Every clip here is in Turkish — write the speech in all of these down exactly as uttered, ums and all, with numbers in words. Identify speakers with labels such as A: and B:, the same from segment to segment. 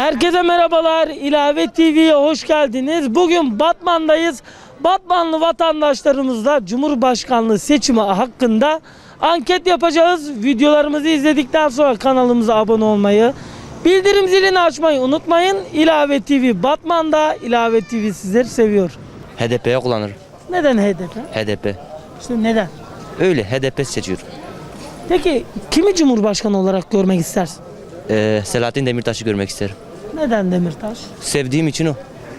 A: Herkese merhabalar. İlave T V'ye hoş geldiniz. Bugün Batman'dayız. Batmanlı vatandaşlarımızla Cumhurbaşkanlığı seçimi hakkında anket yapacağız. Videolarımızı izledikten sonra kanalımıza abone olmayı, bildirim zilini açmayı unutmayın. İlave T V Batman'da. İlave T V sizleri seviyor.
B: H D P'ye kullanırım.
A: Neden H D P?
B: H D P.
A: İşte neden?
B: Öyle H D P seçiyorum.
A: Peki kimi Cumhurbaşkanı olarak görmek istersin?
B: Ee, Selahattin Demirtaş'ı görmek isterim.
A: Neden Demirtaş?
B: Sevdiğim için o.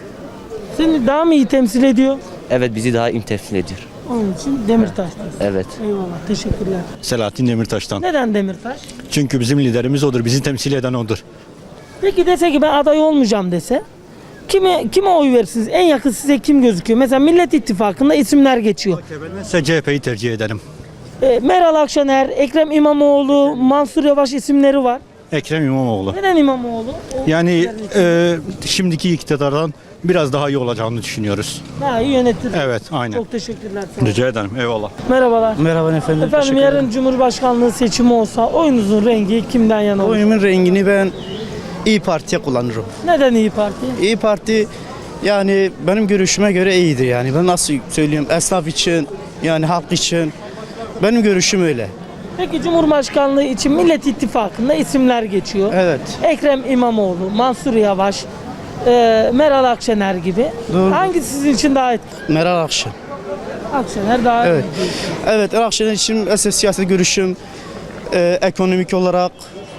A: Seni daha mı iyi temsil ediyor?
B: Evet, bizi daha iyi temsil ediyor.
A: Onun için Demirtaş diyorsun.
B: Evet.
A: Eyvallah, teşekkürler.
C: Selahattin Demirtaş'tan.
A: Neden Demirtaş?
C: Çünkü bizim liderimiz odur, bizi temsil eden odur.
A: Peki dese ki ben aday olmayacağım dese, kime kime oy verirsiniz? En yakın size kim gözüküyor? Mesela Millet İttifakı'nda isimler geçiyor.
C: Size C H P'yi tercih ederim.
A: E, Meral Akşener, Ekrem İmamoğlu, Mansur Yavaş isimleri var.
C: Ekrem İmamoğlu.
A: Neden İmamoğlu? O
C: Yani
A: isimlerin
C: e, şimdiki iktidardan biraz daha iyi olacağını düşünüyoruz.
A: daha iyi yönetir.
C: Evet, aynen.
A: Çok teşekkürler. Sağ olun.
C: Rica ederim, eyvallah.
A: Merhabalar.
D: Merhaba efendim.
A: Efendim
D: teşekkür
A: yarın
D: ederim.
A: Cumhurbaşkanlığı seçimi olsa oyunuzun rengi kimden yana olur?
D: Oyumun rengini ben İyi Parti'ye kullanırım.
A: Neden İyi Parti?
D: İyi Parti yani benim görüşüme göre iyidir yani. Ben nasıl söyleyeyim, esnaf için yani halk için benim görüşüm öyle.
A: Peki Cumhurbaşkanlığı için Millet İttifakı'nda isimler geçiyor.
D: Evet.
A: Ekrem İmamoğlu, Mansur Yavaş, e, Meral Akşener gibi.
D: Doğru.
A: Hangisi sizin için daha etkili?
D: Meral Akşener.
A: Akşener daha
D: Evet.
A: etkili.
D: Evet, Meral Akşener için esas siyaset görüşüm e, ekonomik olarak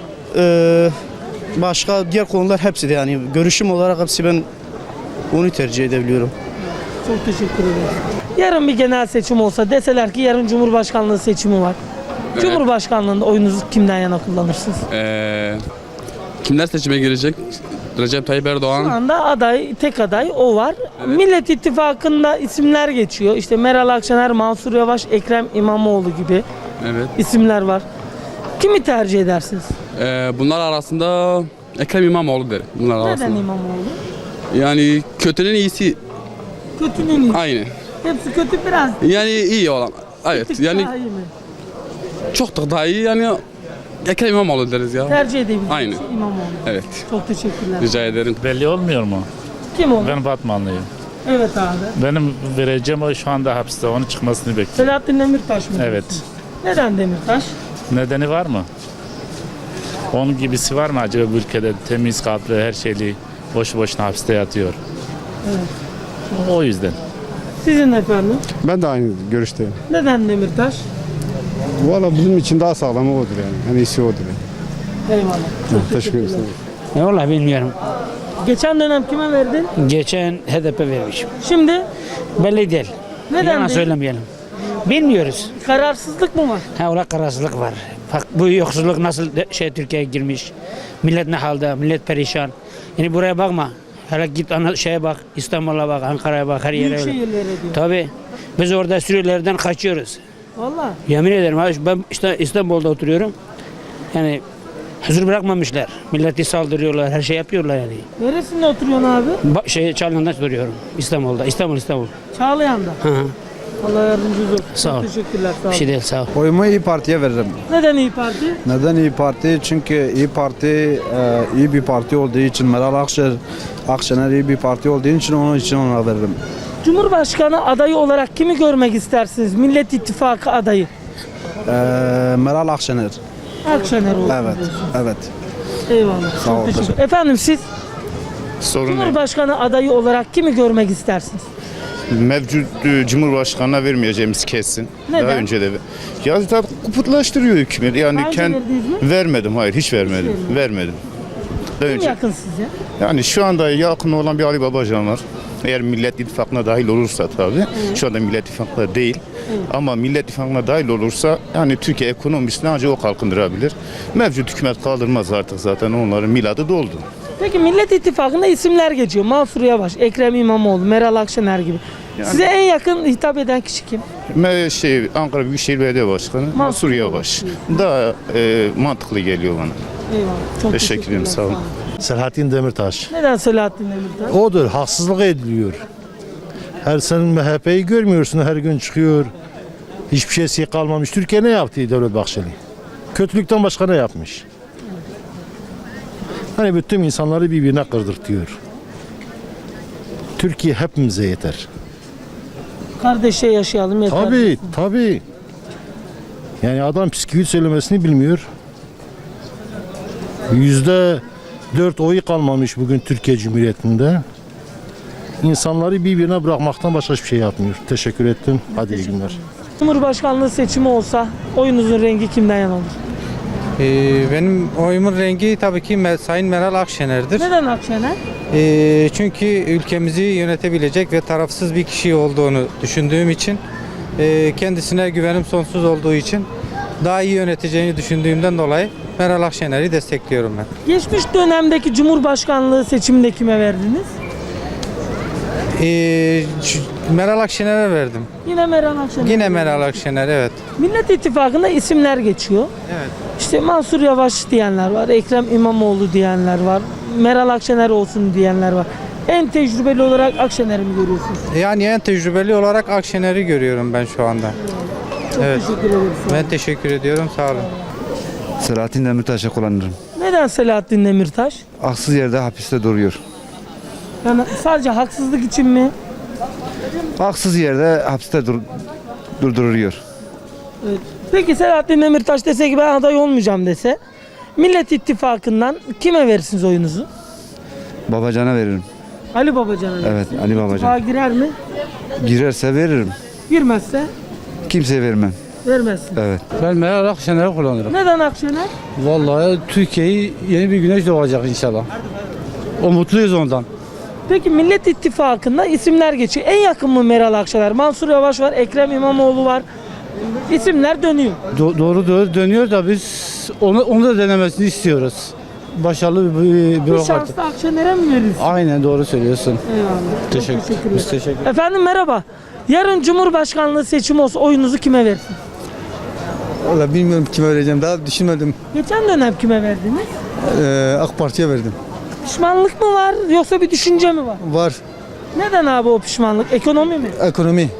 D: e, başka diğer konular hepsi de yani görüşüm olarak hepsi ben onu tercih edebiliyorum.
A: Çok teşekkür ederim. Yarın bir genel seçim olsa deseler ki yarın Cumhurbaşkanlığı seçimi var. Cumhurbaşkanlığında oyunuzu kimden yana kullanırsınız?
E: Ee, kimler seçime girecek? Recep Tayyip
A: Şu
E: Erdoğan.
A: anda aday, tek aday o var. Millet İttifakı'nda isimler geçiyor. İşte Meral Akşener, Mansur Yavaş, Ekrem İmamoğlu gibi
E: Evet.
A: isimler var. Kimi tercih edersiniz?
E: Ee, bunlar arasında Ekrem İmamoğlu derim. Bunlar
A: Neden
E: arasında.
A: İmamoğlu?
E: Yani kötünün iyisi
A: Kötünün iyisi.
E: aynı.
A: Hepsi kötü biraz.
E: Yani iyi olan.
A: Bir
E: Evet.
A: tık
E: Yani
A: daha iyi mi?
E: çok da daha iyi. Yani Ekrem İmamoğlu deriz ya.
A: Tercih edebiliriz.
E: Aynı.
A: İmamoğlu.
E: Evet.
A: Çok teşekkürler.
E: Rica ederim.
F: Belli olmuyor mu?
A: Kim o?
F: Ben Batmanlıyım.
A: Evet abi.
F: Benim vereceğim o şu anda hapiste. Onun çıkmasını bekliyorum.
A: Selahattin Demirtaş mı?
F: Evet.
A: diyorsun? Neden Demirtaş?
F: Nedeni var mı? Onun gibisi var mı acaba bu ülkede? Temiz kalpli, her şeyli boş boşuna hapiste yatıyor.
A: Evet.
F: O yüzden.
A: Sizin efendim?
G: Ben de aynı görüşteyim.
A: Neden Demirtaş?
G: Valla bizim için daha sağlamı odur yani. En iyisi odur yani.
A: Eyvallah. Çok
G: Teşekkür ederim.
A: teşekkürler.
H: Vallahi bilmiyorum.
A: Geçen dönem kime verdin?
H: Geçen H D P vermişim.
A: Şimdi
H: Belli değil.
A: neden
H: Yalan
A: değil?
H: söylemeyelim. Bilmiyoruz.
A: Kararsızlık mı var?
H: Ha ola kararsızlık var. Bak bu yoksulluk nasıl de- şey Türkiye'ye girmiş. Millet ne halde? Millet perişan. Yani buraya bakma. Hele git ana şeye bak. İstanbul'a bak, Ankara'ya bak, her yere
A: Büyük
H: öyle.
A: şehirlere diyor.
H: Tabii. Biz orada Suriyelilerden kaçıyoruz.
A: Valla.
H: Yemin ederim abi, ben işte İstanbul'da oturuyorum. Yani huzur bırakmamışlar. Milleti saldırıyorlar, her şey yapıyorlar yani.
A: Neresinde oturuyorsun abi?
H: Ba- şey Çağlayan'da oturuyorum. İstanbul'da. İstanbul, İstanbul.
A: Çağlayan'da.
H: Hı hı.
A: Allah yardımcınız olsun.
H: Sağ ol.
A: Çok teşekkürler. Sağ
H: Bir şey
A: olun.
H: değil, sağ ol.
I: Oyumu İyi Parti'ye veririm.
A: Neden İyi Parti?
I: Neden İyi Parti? Çünkü İyi Parti e, iyi bir parti olduğu için, Meral Akşener, Akşener iyi bir parti olduğu için onun için ona veririm.
A: Cumhurbaşkanı adayı olarak kimi görmek istersiniz? Millet İttifakı adayı.
I: E, Meral Akşener.
A: Akşener olsun.
I: Evet,
A: diyorsun.
I: evet.
A: Eyvallah.
I: Sağ
A: Çok
I: ol,
A: teşekkür. Efendim siz
J: Sorun ne?
A: Cumhurbaşkanı adayı olarak kimi görmek istersiniz?
J: Mevcut e, Cumhurbaşkanı'na vermeyeceğimiz kesin.
A: Neden?
J: Daha önce de. Ya zaten kuputlaştırıyor hükümet. Yani
A: Daha önce
J: kend
A: verdiniz mi?
J: vermedim. Hayır, hiç vermedim.
A: vermedin.
J: Vermedim. Daha
A: Kim
J: önce.
A: yakın size?
J: Yani şu anda yakın olan bir Ali Babacan var. Eğer Millet İttifakı'na dahil olursa tabii. Şu anda Millet İttifakı'na değil. Ama Millet İttifakı'na dahil olursa yani Türkiye ekonomisini ancak o kalkındırabilir. Mevcut hükümet kaldırmaz artık zaten, onların miladı doldu.
A: Peki Millet İttifakı'nda isimler geçiyor. Mansur Yavaş, Ekrem İmamoğlu, Meral Akşener gibi. Size en yakın hitap eden kişi kim?
J: Me- Şey, Ankara Büyükşehir Belediye Başkanı Mansur Yavaş. Daha e, mantıklı geliyor bana.
A: Eyvallah. Çok
J: Teşekkür ederim, sağ olun.
C: Selahattin Demirtaş.
A: Neden Selahattin Demirtaş?
C: Odur, haksızlık ediliyor. Her sen M H P'yi görmüyorsun, her gün çıkıyor. Hiçbir şeysi kalmamış. Türkiye ne yaptı Devlet Bahçeli? Kötülükten başka ne yapmış? Hani bütün insanları birbirine kırdırtıyor. Türkiye hepimize yeter.
A: Kardeşe yaşayalım yeter.
C: Tabii, tabii. Yani adam psikoloji söylemesini bilmiyor. Yüzde dört oyu kalmamış bugün Türkiye Cumhuriyeti'nde. İnsanları birbirine bırakmaktan başka hiçbir şey yapmıyor. Teşekkür ettim. Hadi iyi günler.
A: Cumhurbaşkanlığı seçimi olsa oyunuzun rengi kimden yana olur?
K: Ee, benim oyumun rengi tabii ki Me- Sayın Meral Akşener'dir.
A: Neden Akşener?
K: Ee, çünkü ülkemizi yönetebilecek ve tarafsız bir kişi olduğunu düşündüğüm için, e, kendisine güvenim sonsuz olduğu için, daha iyi yöneteceğini düşündüğümden dolayı Meral Akşener'i destekliyorum ben.
A: Geçmiş dönemdeki Cumhurbaşkanlığı seçiminde kime verdiniz?
K: Ee, şu- Meral Akşener'e verdim.
A: Yine Meral Akşener.
K: Yine Meral Akşener, evet.
A: Millet İttifakı'nda isimler geçiyor.
K: Evet.
A: İşte Mansur Yavaş diyenler var, Ekrem İmamoğlu diyenler var, Meral Akşener olsun diyenler var. En tecrübeli olarak Akşener'i mi görüyorsunuz?
K: Yani en tecrübeli olarak Akşener'i görüyorum ben şu anda.
A: Çok
K: Evet.
A: teşekkür ederim.
K: Ben teşekkür ediyorum, sağ olun.
I: Selahattin Demirtaş'ı kullanırım.
A: Neden Selahattin Demirtaş?
I: Haksız yerde hapiste duruyor.
A: Yani sadece haksızlık için mi?
I: Haksız yerde hapiste dur durduruyor.
A: Evet. Peki Selahattin Demirtaş dese ki ben aday olmayacağım dese, Millet İttifakı'ndan kime verirsiniz oyunuzu?
I: Babacan'a veririm.
A: Ali Babacan'a.
I: Evet, Ali Babacan.
A: İttifaka girer mi?
I: Girerse veririm.
A: Girmezse
I: Kimseye vermem.
A: vermezsin.
I: Evet.
E: Ben Meral Akşener'i kullanırım.
A: Neden Akşener?
E: Vallahi Türkiye'yi yeni bir güneş doğacak inşallah. O mutluyuz ondan.
A: Peki Millet İttifakı'nda isimler geçiyor. En yakın mı Meral Akşener? Mansur Yavaş var, Ekrem İmamoğlu var. İsimler dönüyor.
E: Do- doğru doğru dönüyor da biz onu, onu da denemesini istiyoruz. Başarılı bir
A: Bir
E: bürokrat.
A: şans da Akşener'e mi verirsin?
E: Aynen doğru söylüyorsun.
A: Eyvallah. Çok
E: Teşekkür,
A: teşekkür
E: biz
A: ederim.
E: teşekkür
A: Efendim merhaba. Yarın Cumhurbaşkanlığı seçimi olsa oyunuzu kime verirsiniz?
G: Valla bilmiyorum kime vereceğim. Daha düşünmedim.
A: Geçen dönem kime verdiniz?
G: Ee, AK Parti'ye verdim.
A: Pişmanlık mı var yoksa bir düşünce mi var?
G: Var.
A: Neden abi o pişmanlık? Ekonomi mi?
G: Ekonomi.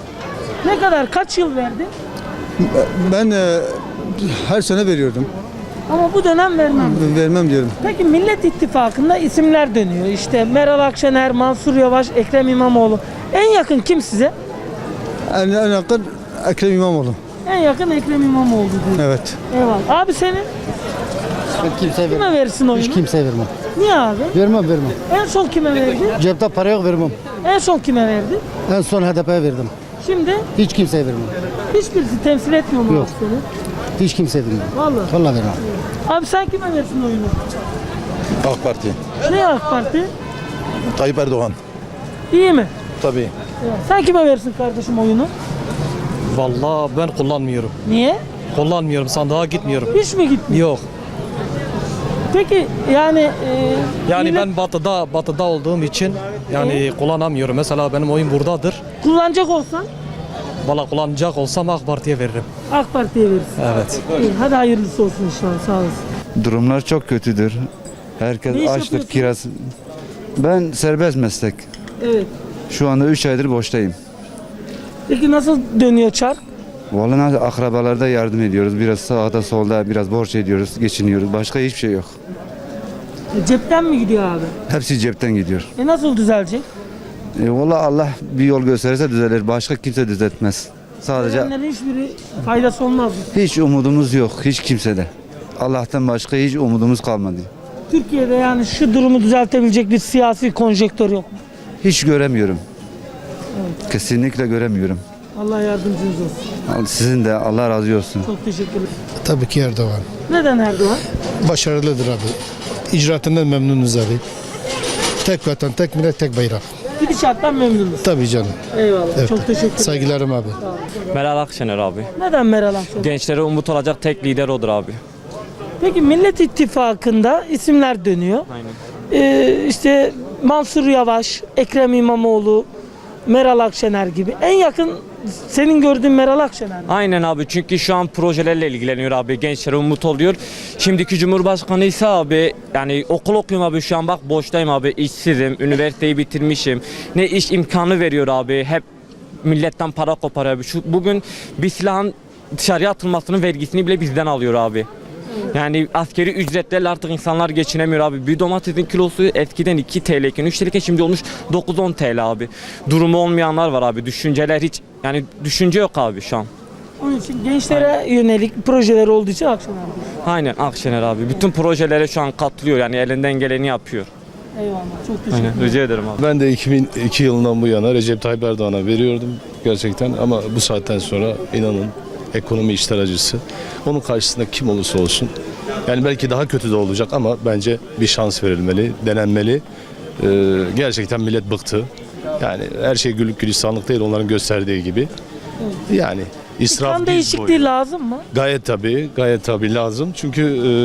A: Ne kadar? Kaç yıl verdin?
G: Ben e, her sene veriyordum.
A: Ama bu dönem vermem.
G: Vermem diyorum.
A: Peki Millet İttifakı'nda isimler dönüyor. İşte Meral Akşener, Mansur Yavaş, Ekrem İmamoğlu. En yakın kim size?
G: En, en yakın Ekrem İmamoğlu.
A: En yakın Ekrem İmamoğlu diyor.
G: Evet.
A: Eyvallah. Abi senin
G: Kimseye
A: kime verirsin oyunu?
G: kimseye vermem.
A: Niye abi?
G: Vermem vermem.
A: En son kime verdin?
G: Cepte para yok vermem.
A: En son kime verdin?
G: En son H D P'ye verdim.
A: Şimdi
G: Hiç kimseye vermem.
A: hiçbirisi temsil etmiyor mu
G: Yok.
A: abi seni?
G: Hiç kimseye vermem.
A: Vallahi.
G: Vallahi vermem.
A: Abi sen kime verirsin oyunu?
C: AK Parti.
A: Ne AK Parti?
C: Tayyip Erdoğan.
A: İyi mi?
C: Tabii.
A: Ya, sen kime verirsin kardeşim oyunu?
L: Vallahi ben kullanmıyorum.
A: Niye?
L: Kullanmıyorum, sandığa gitmiyorum.
A: Hiç mi gitmiyor?
L: Yok.
A: Peki yani e,
L: Yani
A: millet
L: ben batıda batıda olduğum için yani kullanamıyorum. Mesela benim oyun buradadır.
A: kullanacak olsan
L: Valla kullanacak olsam AK Parti'ye veririm.
A: AK Parti'ye verirsin.
L: Evet.
A: İyi, hadi hayırlısı olsun inşallah. Sağ olasın.
I: Durumlar çok kötüdür. Herkes
A: Ne iş
I: açtır,
A: yapıyorsun?
I: kiraz. Ben serbest meslek.
A: Evet.
I: Şu anda üç aydır boştayım.
A: Peki nasıl dönüyor çark?
I: Vallahi akrabalarda yardım ediyoruz. Biraz sağda solda biraz borç ediyoruz, geçiniyoruz. Başka hiçbir şey yok.
A: E, cepten mi gidiyor abi?
I: Hepsi cepten gidiyor.
A: E nasıl düzelecek?
I: E, vallahi Allah bir yol gösterirse düzelir. Başka kimse düzeltmez. Sadece
A: Verenlerin hiçbiri faydası olmaz mı?
I: hiç umudumuz yok. Hiç kimsede. Allah'tan başka hiç umudumuz kalmadı.
A: Türkiye'de yani şu durumu düzeltebilecek bir siyasi konjektör yok mu?
I: Hiç göremiyorum. Kesinlikle göremiyorum.
A: Allah yardımcınız olsun.
I: Sizin de Allah razı olsun.
A: Çok teşekkür ederim.
G: Tabii ki Erdoğan.
A: Neden Erdoğan?
G: Başarılıdır abi. İcraatından memnunuz abi. Tek vatan, tek millet, tek bayrak.
A: Gidişattan memnunuz.
G: Tabii canım.
A: Eyvallah.
G: Evet.
A: Çok teşekkür ederim.
G: Saygılarım abi.
L: Meral Akşener abi.
A: Neden Meral Akşener?
L: Gençlere umut olacak tek lider odur abi.
A: Peki Millet İttifakı'nda isimler dönüyor.
L: Aynen.
A: Ee, işte Mansur Yavaş, Ekrem İmamoğlu, Meral Akşener gibi. En yakın senin gördüğün Meral Akşener mi?
L: Aynen abi, çünkü şu an projelerle ilgileniyor abi, gençlere umut oluyor. Şimdiki Cumhurbaşkanı ise abi yani okul okuyorum abi, şu an bak boştayım abi, işsizim, üniversiteyi bitirmişim. Ne iş imkanı veriyor abi, hep milletten para koparıyor abi. Şu, bugün bir silahın dışarıya atılmasının vergisini bile bizden alıyor abi. Yani askeri ücretlerle artık insanlar geçinemiyor abi. Bir domatesin kilosu eskiden iki T L iken üç T L iken şimdi olmuş dokuz on T L abi. Durumu olmayanlar var abi. Düşünceler hiç yani düşünce yok abi şu an.
A: Onun için gençlere yönelik projeler olduğu için Akşener diyor.
L: Aynen Akşener abi. Bütün projelere şu an katılıyor yani elinden geleni yapıyor.
A: Eyvallah. Çok teşekkür
L: Aynen
A: ederim.
L: rica ederim abi.
C: Ben de iki bin iki yılından bu yana Recep Tayyip Erdoğan'a veriyordum gerçekten ama bu saatten sonra inanın ekonomi işler acısı. Onun karşısında kim olursa olsun yani belki daha kötü de olacak ama bence bir şans verilmeli, denenmeli. Ee, gerçekten millet bıktı. Yani her şey güllük gülistanlık değil onların gösterdiği gibi. Yani israf
A: Kan
C: diz
A: değişikliği
C: boyu.
A: lazım mı?
C: Gayet tabii, gayet tabii lazım. Çünkü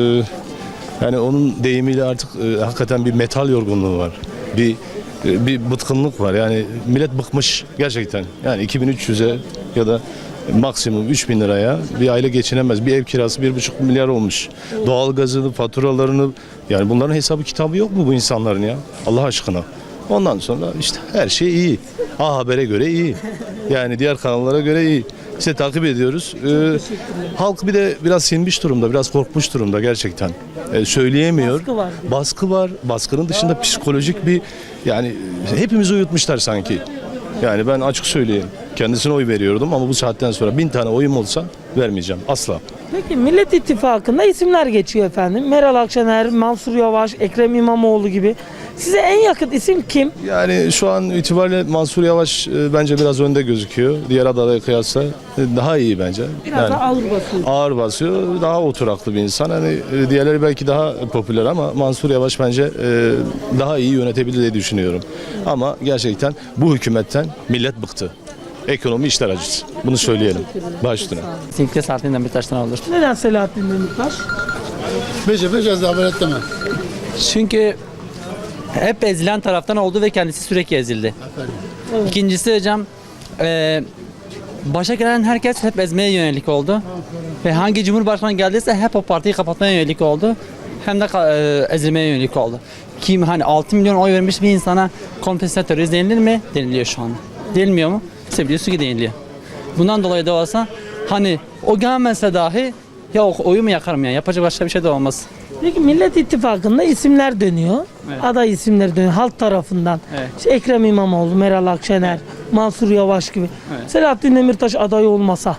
C: e, yani onun deyimiyle artık e, hakikaten bir metal yorgunluğu var. Bir e, bir bıtkınlık var. Yani millet bıkmış gerçekten. Yani iki bin üç yüze ya da maksimum üç bin liraya bir aile geçinemez. Bir ev kirası bir buçuk milyar olmuş. Doğalgazını, faturalarını yani bunların hesabı kitabı yok mu bu insanların ya? Allah aşkına. Ondan sonra işte her şey iyi. A Haber'e göre iyi. Yani diğer kanallara göre iyi. İşte takip ediyoruz. Ee, halk bir de biraz sinmiş durumda, biraz korkmuş durumda gerçekten. Ee, söyleyemiyor.
A: Baskı var.
C: Baskı var. Baskının dışında psikolojik bir yani hepimizi uyutmuşlar sanki. Yani ben açık söyleyeyim. Kendisine oy veriyordum ama bu saatten sonra bin tane oyum olsa vermeyeceğim. Asla.
A: Peki Millet İttifakı'nda isimler geçiyor efendim. Meral Akşener, Mansur Yavaş, Ekrem İmamoğlu gibi. Size en yakın isim kim?
C: Yani şu an itibariyle Mansur Yavaş e, bence biraz önde gözüküyor. Diğer adaylara kıyasla e, daha iyi bence.
A: Biraz
C: Yani
A: da ağır basıyor.
C: ağır basıyor. Daha oturaklı bir insan. Hani e, diğerleri belki daha popüler ama Mansur Yavaş bence e, daha iyi yönetebilir diye düşünüyorum. Ama gerçekten bu hükümetten millet bıktı. Ekonomi işler acısı. Bunu söyleyelim. Baş üstüne.
H: Kesinlikle Selahattin Demirtaş'tan alır.
A: Neden Selahattin Demirtaş?
G: Bece bece zabelet deme.
H: Çünkü hep ezilen taraftan oldu ve kendisi sürekli ezildi. İkincisi hocam e, başa gelen herkes hep ezmeye yönelik oldu. Ve hangi cumhurbaşkanı geldiyse hep o partiyi kapatmaya yönelik oldu. Hem de e, ezilmeye yönelik oldu. Kim hani altı milyon oy vermiş bir insana kompensasyon terörist denilir mi? Deniliyor şu an. Denilmiyor mu? Biliyorsun ki deniliyor. Bundan dolayı da olsa hani o gelmese dahi ya o oyumu yakarım ya. Yapacak başka bir şey de olmaz.
A: Peki Millet İttifakı'nda isimler dönüyor.
H: Evet.
A: Aday isimleri dönüyor halk tarafından.
H: Evet.
A: İşte Ekrem İmamoğlu, Meral Akşener, Mansur Yavaş gibi.
H: Evet.
A: Selahattin Demirtaş aday olmasa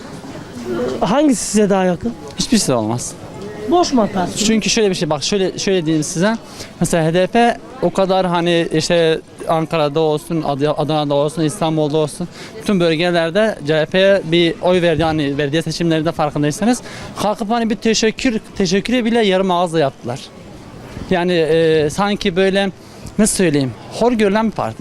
A: hangisi size daha yakın?
H: Hiçbirisi de olmaz.
A: Boş mu atarsın?
H: Çünkü şöyle bir şey bak şöyle şöyle diyeyim size. Mesela H D P o kadar hani işte Ankara'da olsun, Ad- Adana'da olsun, İstanbul'da olsun bütün bölgelerde C H P'ye bir oy verdi hani belediye seçimlerinde farkındaysanız kalkıp hani bir teşekkür teşekkürü bile yarım ağızla yaptılar. Yani e, sanki böyle nasıl söyleyeyim hor görülen bir parti.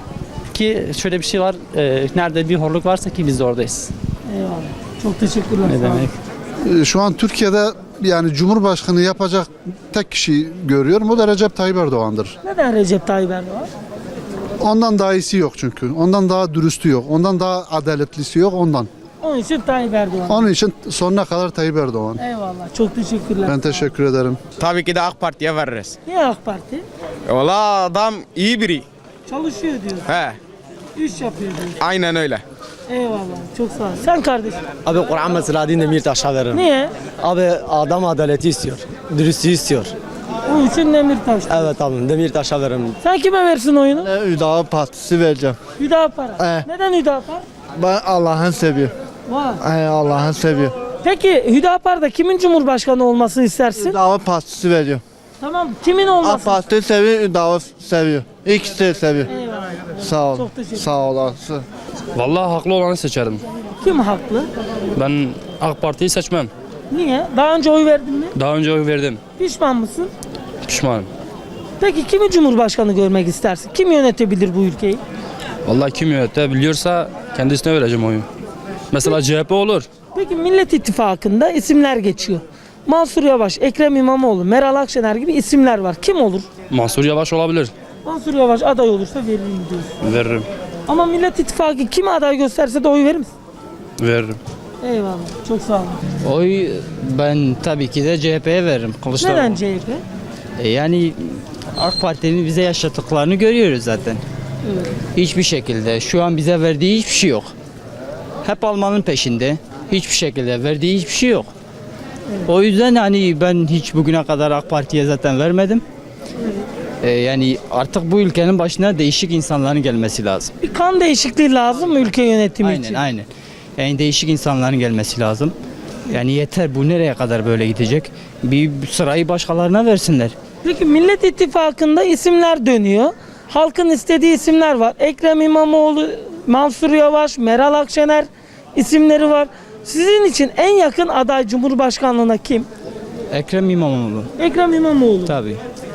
H: Ki şöyle bir şey var e, nerede bir horluk varsa ki biz de oradayız.
A: Eyvallah. Çok teşekkürler.
H: Ne
A: sağ olun.
H: demek?
G: Şu an Türkiye'de yani Cumhurbaşkanı yapacak tek kişi görüyorum. O da Recep Tayyip Erdoğan'dır.
A: Neden Recep Tayyip Erdoğan?
G: Ondan daha iyisi yok çünkü. Ondan daha dürüstü yok. Ondan daha adaletlisi yok ondan.
A: Onun için Tayyip Erdoğan.
G: Onun için sonuna kadar Tayyip Erdoğan.
A: Eyvallah. Çok teşekkürler.
G: Ben teşekkür ederim.
M: Tabii ki de AK Parti'ye veririz.
A: Niye AK Parti?
M: Valla adam iyi biri.
A: Çalışıyor diyor.
M: He,
A: İş yapıyor diyor.
M: aynen öyle.
A: Eyvallah. Çok sağ ol. Sen kardeşim.
N: Abi Kur'an ve Selahattin Demirtaş'a veririm.
A: Niye?
N: Abi adam adaleti istiyor. Dürüstlüğü istiyor.
A: Onun için Demirtaş.
N: Evet abi Demirtaş'a veririm.
A: Sen kime versin oyunu?
G: Hüdapar Partisi vereceğim.
A: Hüdapar.
G: Evet.
A: Neden Hüdapar?
G: Ben Allah'ın seviyor.
A: Vay.
G: Allah'ın seviyor.
A: Peki Hüdapar'da kimin cumhurbaşkanı olmasını istersin?
G: Hüdapar Partisi veriyor.
A: Tamam. Kimin olmasını?
G: Parti seviyor, Hüdapar seviyor. İkisi de seviyor.
A: Eyvallah.
G: Sağ ol.
A: Çok teşekkür ederim.
G: Sağ olasın.
E: Vallahi haklı olanı seçerim.
A: Kim haklı?
E: Ben AK Parti'yi seçmem.
A: Niye? Daha önce oy verdin mi?
E: Daha önce oy verdim.
A: Pişman mısın?
E: Pişmanım.
A: Peki kimi cumhurbaşkanı görmek istersin? Kim yönetebilir bu ülkeyi?
E: Vallahi kim yönetebiliyorsa kendisine vereceğim oyu. Mesela C H P olur.
A: Peki Millet İttifakı'nda isimler geçiyor. Mansur Yavaş, Ekrem İmamoğlu, Meral Akşener gibi isimler var. Kim olur?
E: Mansur Yavaş olabilir.
A: Mansur Yavaş aday olursa veririm diyorsun.
E: Veririm.
A: Ama Millet İttifakı kime aday gösterse de oy verir misin?
E: Veririm.
A: Eyvallah. Çok sağ olun.
H: Oy ben tabii ki de C H P'ye veririm. Kılıçdaroğlu.
A: Neden C H P?
H: E, Yani AK Parti'nin bize yaşattıklarını görüyoruz zaten.
A: Evet.
H: Hiçbir şekilde şu an bize verdiği hiçbir şey yok. Hep almanın peşinde. Hiçbir şekilde verdiği hiçbir şey yok. O yüzden hani ben hiç bugüne kadar AK Parti'ye zaten vermedim. Ee, yani artık bu ülkenin başına değişik insanların gelmesi lazım.
A: Bir kan değişikliği lazım mı ülke yönetimi
H: Aynen
A: için?
H: aynen. Yani değişik insanların gelmesi lazım. Yani yeter, bu nereye kadar böyle gidecek? Bir sırayı başkalarına versinler.
A: Peki Millet İttifakı'nda isimler dönüyor. Halkın istediği isimler var. Ekrem İmamoğlu, Mansur Yavaş, Meral Akşener isimleri var. Sizin için en yakın aday Cumhurbaşkanlığına kim?
H: Ekrem İmamoğlu.
A: Ekrem İmamoğlu.
H: Tabii.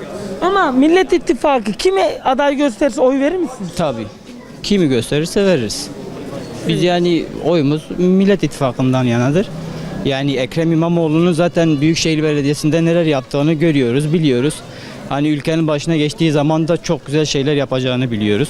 A: Ama Millet İttifakı kime aday gösterirse oy verir misiniz?
H: Tabii. Kimi gösterirse veririz. Biz yani oyumuz Millet İttifakı'ndan yanadır. Yani Ekrem İmamoğlu'nun zaten Büyükşehir Belediyesi'nde neler yaptığını görüyoruz, biliyoruz. Hani ülkenin başına geçtiği zaman da çok güzel şeyler yapacağını biliyoruz.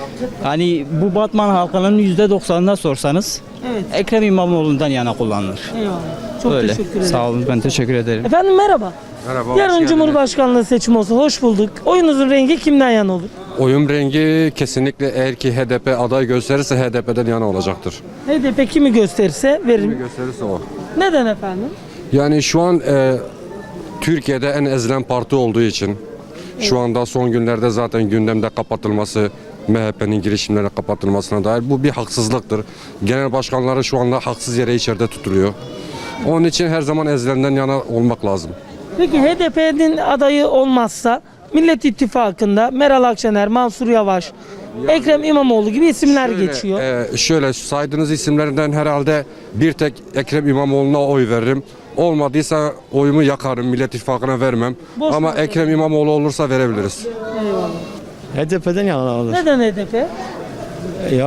H: Hani bu Batman halkının yüzde doksanına sorsanız
A: Evet.
H: Ekrem İmamoğlu'ndan yana kullanılır.
A: Eyvallah. Çok
H: Öyle.
A: teşekkür ederim.
H: Sağ olun, ben teşekkür ederim.
A: Efendim merhaba.
O: Merhaba.
A: Yarın Cumhurbaşkanlığı seçimi olsa hoş bulduk. Oyunuzun rengi kimden yana olur?
O: Oyun rengi kesinlikle eğer ki H D P aday gösterirse H D P'den yana olacaktır.
A: H D P kimi gösterirse veririm.
O: Gösterirse o.
A: Neden efendim?
O: Yani şu an e, Türkiye'de en ezilen parti olduğu için şu anda son günlerde zaten gündemde kapatılması, M H P'nin girişimlerine kapatılmasına dair bu bir haksızlıktır. Genel başkanları şu anda haksız yere içeride tutuluyor. Onun için her zaman ezilenden yana olmak lazım.
A: Peki H D P'nin adayı olmazsa Millet İttifakı'nda Meral Akşener, Mansur Yavaş, Ekrem İmamoğlu gibi isimler
O: Şöyle,
A: geçiyor.
O: e, şöyle saydığınız isimlerden herhalde bir tek Ekrem İmamoğlu'na oy veririm. Olmadıysa oyumu yakarım, Millet İttifakı'na vermem.
A: Boş
O: Ama
A: ver.
O: Ekrem İmamoğlu olursa verebiliriz.
A: Eyvallah.
N: H D P'den yana olur.
A: Neden H D P?
N: Ya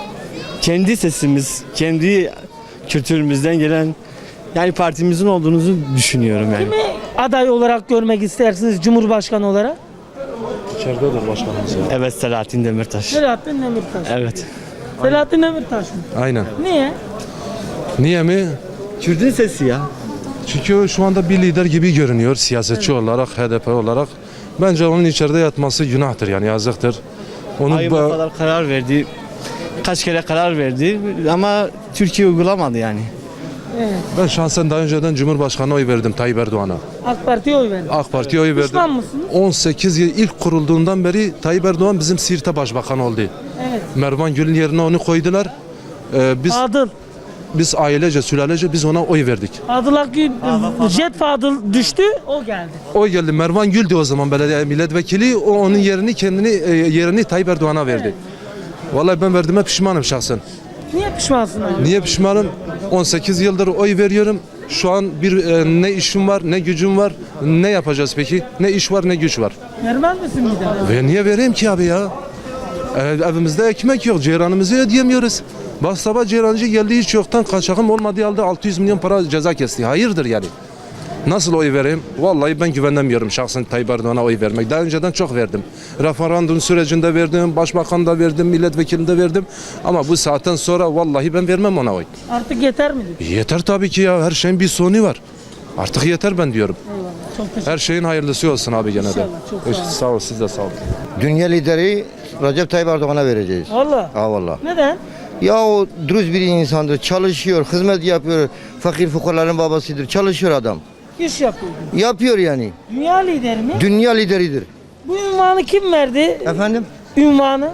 N: kendi sesimiz, kendi kültürümüzden gelen yani partimizin olduğunuzu düşünüyorum yani.
A: Kimi aday olarak görmek istersiniz Cumhurbaşkanı olarak?
N: Evet, Selahattin Demirtaş.
A: Selahattin Demirtaş.
N: Evet.
A: Selahattin Demirtaş mı?
O: Aynen.
A: Niye?
O: Niye mi?
N: Kürdün sesi ya.
O: Çünkü şu anda bir lider gibi görünüyor siyasetçi olarak, H D P olarak. Bence onun içeride yatması günahtır yani yazıktır. Onu
N: Ayıp o kadar karar verdi. Kaç kere karar verdi ama Türkiye uygulamadı yani.
A: Evet.
O: ben şahsen daha önceden Cumhurbaşkanı'na oy verdim Tayyip Erdoğan'a.
A: AK Parti'ye oy verin.
O: AK Parti'ye oy verdim.
A: Pişman mısınız?
O: on sekiz yıl ilk kurulduğundan beri Tayyip Erdoğan bizim Siirt'e başbakan oldu.
A: Evet.
O: Mervan Gül'ün yerine onu koydular. Ee, biz
A: Fadıl.
O: biz ailece, sülalece biz ona oy verdik.
A: Fadıl Akgül, Jet Fadıl düştü, o geldi.
O: O geldi. Mervan Gül'dü o zaman belediye milletvekili. O onun yerini kendini e, yerini Tayyip Erdoğan'a verdi. Vallahi ben verdiğime pişmanım şahsen.
A: Niye pişmansın abi?
O: Niye pişmanım? on sekiz yıldır oy veriyorum. Şu an bir e, ne işim var, ne gücüm var. Ne yapacağız peki? Ne iş var, ne güç var.
A: Vermez misin bir daha?
O: Ve niye vereyim ki abi ya? E, evimizde ekmek yok, ceyranımızı ödeyemiyoruz. Bak sabah ceyrancı geldi hiç yoktan kaçakım olmadığı halde altı yüz milyon para ceza kesti. Hayırdır yani? Nasıl oy vereyim? Vallahi ben güvenemiyorum şahsen Tayyip Erdoğan'a oy vermek. Daha önceden çok verdim. Referandum sürecinde verdim, başbakan da verdim, milletvekilinde verdim. Ama bu saatten sonra vallahi ben vermem ona oy.
A: Artık yeter mi?
O: Yeter tabii ki ya. Her şeyin bir sonu var. Artık yeter ben diyorum.
A: Eyvallah. Çok teşekkür
O: Her şeyin hayırlısı olsun abi gene de.
A: İnşallah, çok sağ olun.
O: Sağ ol, siz de sağ olun.
P: Dünya lideri Recep Tayyip Erdoğan'a vereceğiz.
A: Valla.
P: Ha valla.
A: Neden?
P: Ya o dürüst bir insandır, çalışıyor, hizmet yapıyor, fakir fukarların babasıdır, çalışıyor adam.
A: İş yapıyor.
P: Yapıyor yani.
A: Dünya lideri mi?
P: Dünya lideridir.
A: Bu ünvanı kim verdi?
P: Efendim?
A: Ünvanı.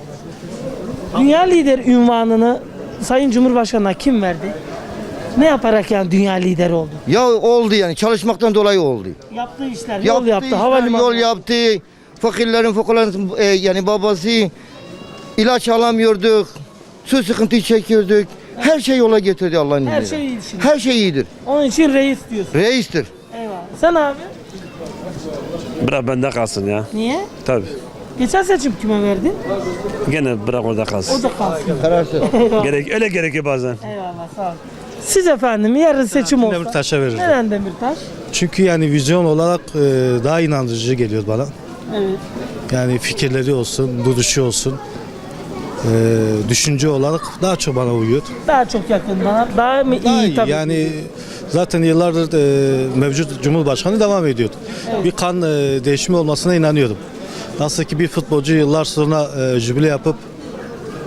A: Dünya lideri ünvanını Sayın Cumhurbaşkanı'na kim verdi? Ne yaparak yani dünya lideri oldu?
P: Ya oldu yani, çalışmaktan dolayı oldu.
A: Yaptığı işler, yol
P: Yaptı
A: yaptı,
P: işler,
A: havalimanı.
P: Yol yaptı, fakirlerin fukarların e, yani babası, ilaç alamıyorduk, su sıkıntı çekiyorduk. Her şey yola getirdi Allah'ın
A: Her
P: izniyle.
A: şey iyi şimdi.
P: Her şey iyidir.
A: Onun için reis diyorsun.
P: Reistir.
A: Eyvallah. Sen abi?
Q: Bırak bende kalsın ya.
A: Niye?
Q: Tabii.
A: Geçen seçim kime verdin?
Q: Gene bırak orada kalsın.
A: O da kalsın.
P: Kararsız.
Q: Gerek, öyle gerekiyor bazen.
A: Eyvallah sağ ol. Siz efendim yarın seçim olsa.
G: Demirtaş'a veririm.
A: Neden Demirtaş?
G: Çünkü yani vizyon olarak e, daha inandırıcı geliyor bana.
A: Evet.
G: Yani fikirleri olsun, duruşu olsun, e, düşünce olarak daha çok bana uyuyor.
A: Daha çok yakın bana. Daha mı
G: Daha
A: iyi
G: iyi.
A: tabii.
G: Yani zaten yıllardır e, mevcut Cumhurbaşkanı devam ediyordu. Bir kan e, değişimi olmasına inanıyordum. Nasıl ki bir futbolcu yıllar sonra e, jübile yapıp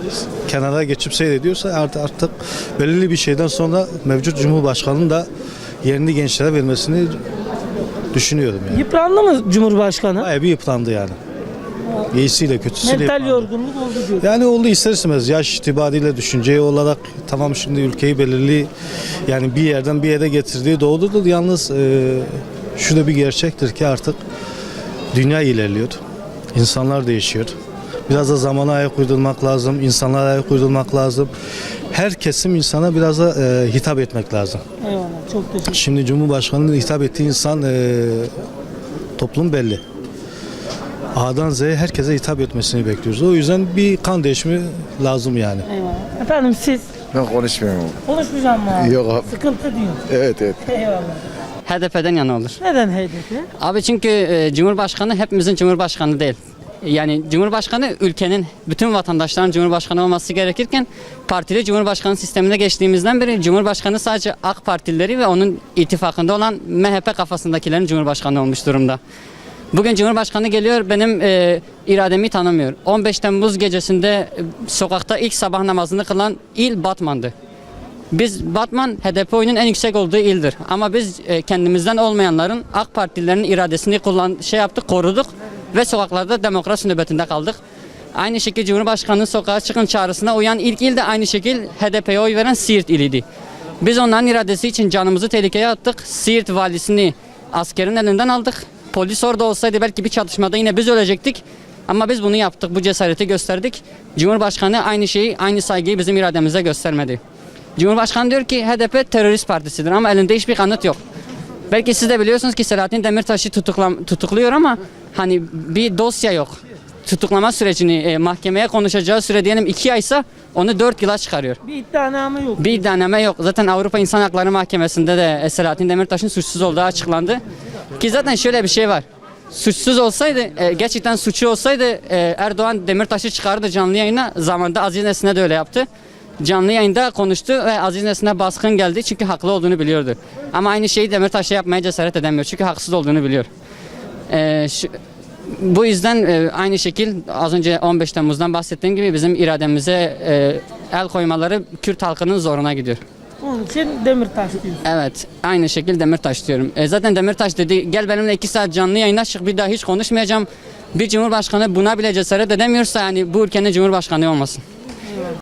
G: kenara geçip seyrediyorsa artık, artık belirli bir şeyden sonra mevcut Cumhurbaşkanı'nın da yerini gençlere vermesini düşünüyorum yani.
A: Yıprandı mı Cumhurbaşkanı?
G: Bayağı bir yıprandı yani. İyisiyle kötüsüyle
A: Mental
G: yıprandı.
A: yorgunluk oldu diyor.
G: Yani oldu ister istemez yaş itibariyle düşünce olarak tamam şimdi ülkeyi belirli yani bir yerden bir yere getirdiği doğrudur. Yalnız e, şu da bir gerçektir ki artık dünya ilerliyor. İnsanlar değişiyor. Biraz da zamana ayak uydurmak lazım. İnsanlara ayak uydurmak lazım. Her kesim insana biraz da e, hitap etmek lazım.
A: Eyvallah, çok teşekkür ederim.
G: Şimdi Cumhurbaşkanı'nın hitap ettiği insan e, toplum belli. A'dan Z'ye herkese hitap etmesini bekliyoruz. O yüzden bir kan değişimi lazım yani.
A: Eyvallah. Efendim siz
R: Ben konuşmuyorum.
A: konuşmayacağım mı abi?
R: Yok abi.
A: Sıkıntı diyor.
R: Evet evet.
A: Eyvallah.
H: H D P'den yana olur.
A: Neden H D P?
H: Abi çünkü e, Cumhurbaşkanı hepimizin Cumhurbaşkanı değil. Yani Cumhurbaşkanı ülkenin bütün vatandaşların Cumhurbaşkanı olması gerekirken partili Cumhurbaşkanı sistemine geçtiğimizden beri Cumhurbaşkanı sadece AK Partilileri ve onun ittifakında olan M H P kafasındakilerin Cumhurbaşkanı olmuş durumda. Bugün Cumhurbaşkanı geliyor benim e, irademi tanımıyor. on beş Temmuz gecesinde e, sokakta ilk sabah namazını kılan il Batman'dı. Biz Batman H D P oyunun en yüksek olduğu ildir. Ama biz e, kendimizden olmayanların AK Partililerin iradesini kullan şey yaptık, koruduk ve sokaklarda demokrasi nöbetinde kaldık. Aynı şekilde Cumhurbaşkanı sokağa çıkın çağrısına uyan ilk il de aynı şekilde H D P'ye oy veren Siirt iliydi. Biz onların iradesi için canımızı tehlikeye attık. Siirt valisini askerin elinden aldık. Polis orada olsaydı belki bir çatışmada yine biz ölecektik. Ama biz bunu yaptık, bu cesareti gösterdik. Cumhurbaşkanı aynı şeyi, aynı saygıyı bizim irademize göstermedi. Cumhurbaşkanı diyor ki H D P terörist partisidir ama elinde hiçbir kanıt yok. Belki siz de biliyorsunuz ki Selahattin Demirtaş'ı tutuklam tutukluyor ama hani bir dosya yok. Tutuklama sürecini e, mahkemeye konuşacağı süre diyelim iki aysa onu dört yıla çıkarıyor.
A: Bir iddianame yok.
H: Bir iddianame yok. Zaten Avrupa İnsan Hakları Mahkemesi'nde de e, Selahattin Demirtaş'ın suçsuz olduğu açıklandı. Ki zaten şöyle bir şey var. Suçsuz olsaydı, e, gerçekten suçu olsaydı e, Erdoğan Demirtaş'ı çıkardı canlı yayına. Zamanında Aziz Nesin'e de öyle yaptı. Canlı yayında konuştu ve Aziz Nesin'e baskın geldi çünkü haklı olduğunu biliyordu. Ama aynı şeyi Demirtaş'a yapmaya cesaret edemiyor çünkü haksız olduğunu biliyor. E, şu, bu yüzden e, aynı şekil az önce on beş Temmuz'dan bahsettiğim gibi bizim irademize e, el koymaları Kürt halkının zoruna gidiyor.
A: Onun için Demirtaş diyor.
H: Evet, aynı şekilde Demirtaş diyorum. E, zaten Demirtaş dedi gel benimle iki saat canlı yayına çık bir daha hiç konuşmayacağım. Bir cumhurbaşkanı buna bile cesaret edemiyorsa yani bu ülkenin cumhurbaşkanı olmasın.